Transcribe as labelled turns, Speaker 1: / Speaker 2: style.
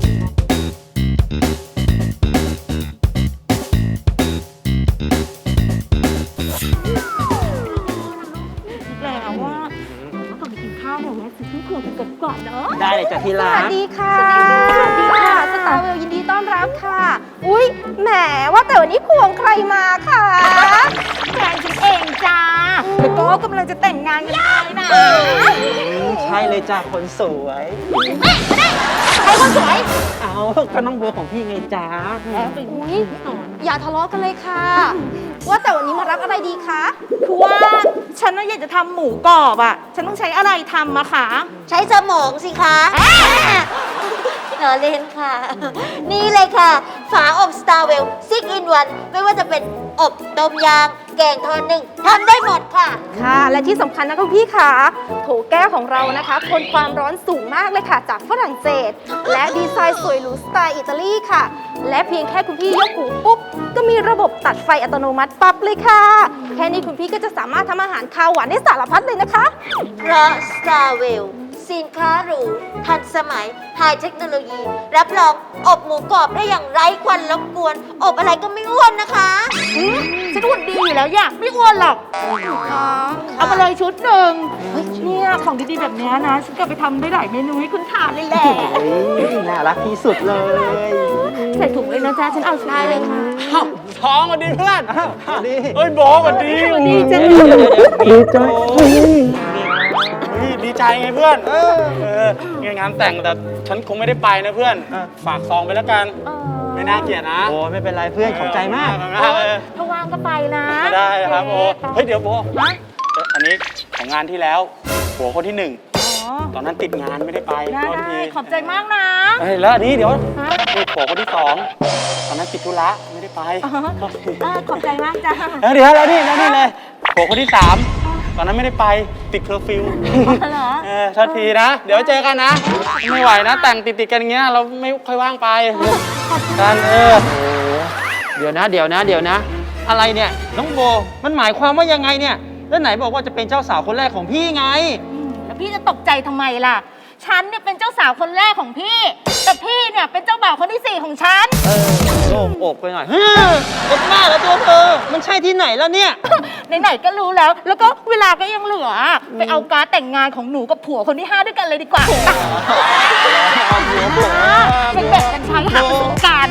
Speaker 1: แล้วว่าต้องไปกินข้าวเนี่ยแวะซื้อเครื่องครัวกันก่อนเนาะ
Speaker 2: ได้เลยจ้ะที่
Speaker 3: ส
Speaker 2: รั
Speaker 3: วั
Speaker 2: ก
Speaker 3: สดีค่ะ สวัสดีค่ะ สตาร์เวลยินดีต้อนรับค่ะ อุ๊ย แหม ว่าแต่วันนี้ควงใครมาคะ
Speaker 1: แฟนฉันเองจ้าแล้วก็กำลังจะแต่งงานกันเลยนะ
Speaker 2: ใช่เลยจ้ะคนสวย
Speaker 1: ใครคนสวย
Speaker 2: เอาก็น้องบัวของพี่ไงจ้า
Speaker 1: แล้วไป
Speaker 3: อุ๊ย อย่าทะเลาะกันเลยค่ะ ว่าแต่วันนี้มารับอะไรดีคะ
Speaker 1: คือว่าฉันน่ะอยากจะทำหมูกรอบอ่ะ ฉันต้องใช้อะไรทำอะคะ
Speaker 4: ใช้สมองสิคะเเล่นค่ะ นี่เลยค่ะ ฝาอบ Starwell 6 in 1 ไม่ว่าจะเป็นอบต้มยำแกงทอดหนึ่งทำได้หมดค่ะ
Speaker 3: ค่ะ และที่สำคัญนะคุณพี่ค่ะโถแก้วของเรานะคะทนความร้อนสูงมากเลยค่ะ จากฝรั่งเศส และดีไซน์สวยหรูสไตล์อิตาลีค่ะ และเพียงแค่คุณพี่ยกหูปุ๊บ ก็มีระบบตัดไฟอัตโนมัติปั๊บเลยค่ะ แค่นี้คุณพี่ก็จะสามารถทำอาหารคาวหวานได้สารพัดเลยนะคะ
Speaker 4: เพราะ Starwell สินค้าหรู ทันสมัยไฮเทคโนโลยี รับรองอบหมูกรอบได้อย่างไร้ควันรบกวน อบอะไรก็ไม่อ้วนนะคะ
Speaker 1: ฉันอ้วนดีอยู่แล้วอย่าไม่อ้วนหรอกเอามาเลยชุดหนึ่งเนี่ยของดีๆแบบเนี้ยนะ ฉันก็ไปทำได้หลายเมนูให้คุณทานเลยแหละ
Speaker 2: เฮ้ยน่ารักที่สุดเลย
Speaker 1: ใส่ถุงเลยนะจ๊ะ ฉันเอาชุดนี้เลยค่ะ
Speaker 5: ท้องมาดีเพื่อน
Speaker 2: ดี
Speaker 5: เฮ้ยโบมาดี
Speaker 1: ดีจ้ะ
Speaker 2: ดีใจ
Speaker 5: ดีใจไงเพื่อนงานแต่งแต่ฉันคงไม่ได้ไปนะเพื่อน ฝากซองไปแล้วกัน ไม่น่าเกลียดนะ
Speaker 2: โอ้ไม่เป็นไรเพื่อนขอบใจมาก
Speaker 1: ถ้าว่างก็ไปนะ
Speaker 5: ได้ครับโบเฮ้ยเดี๋ยวโบ
Speaker 1: ฮะ
Speaker 5: อันนี้ของงานที่แล้วหัวคนที่หนึ่ง
Speaker 1: อ๋อ
Speaker 5: ตอนนั้นติดงานไม่ได้ไป
Speaker 1: ได้
Speaker 5: โทษที
Speaker 1: ขอบใจมากนะ
Speaker 5: เฮ้ยแล้วอันนี้เดี๋ยว
Speaker 1: ฮะ
Speaker 5: นี่หัวคนที่สองตอนนั้นติดธุระไม่ได้ไป
Speaker 1: ขอบใจมากจ้า
Speaker 5: เดี๋ยวแล้วนี่เลยหัวคนที่สามตอนนั้นไม่ได้ไปติดเคอร์ฟิว
Speaker 1: เหรอ
Speaker 5: โทษทีนะ เดี๋ยวเจอกันนะ ไม่ไหวนะ แต่งติดๆกันอย่างเงี้ยเราไม่ค่อยว่างไปกัน
Speaker 2: เดี๋ยวนะ อะไรเนี่ย น้องโบ มันหมายความว่ายังไงเนี่ย แล้วไหนบอกว่าจะเป็นเจ้าสาวคนแรกของพี่ไง
Speaker 1: แล้วพี่จะตกใจทำไมล่ะ ฉันเนี่ยเป็นเจ้าสาวคนแรกของพี่ แต่พี่เนี่ยเป็นเจ้าบ่าวคนที่ 4 ของฉัน
Speaker 2: โล่งอกไปหน่อยเจ็บมากแล้วตัวเธอ มันใช่ที่ไหนแล้วเนี่ย
Speaker 1: ไหนๆก็รู้แล้ว แล้วก็เวลาก็ยังเหลือ ไปเอาการ์ดแต่งงานของหนูกับผัวคนที่ 5 ด้วยกันเลยดีกว่าเป็นแบ่งกันใช้หาประสบการณ์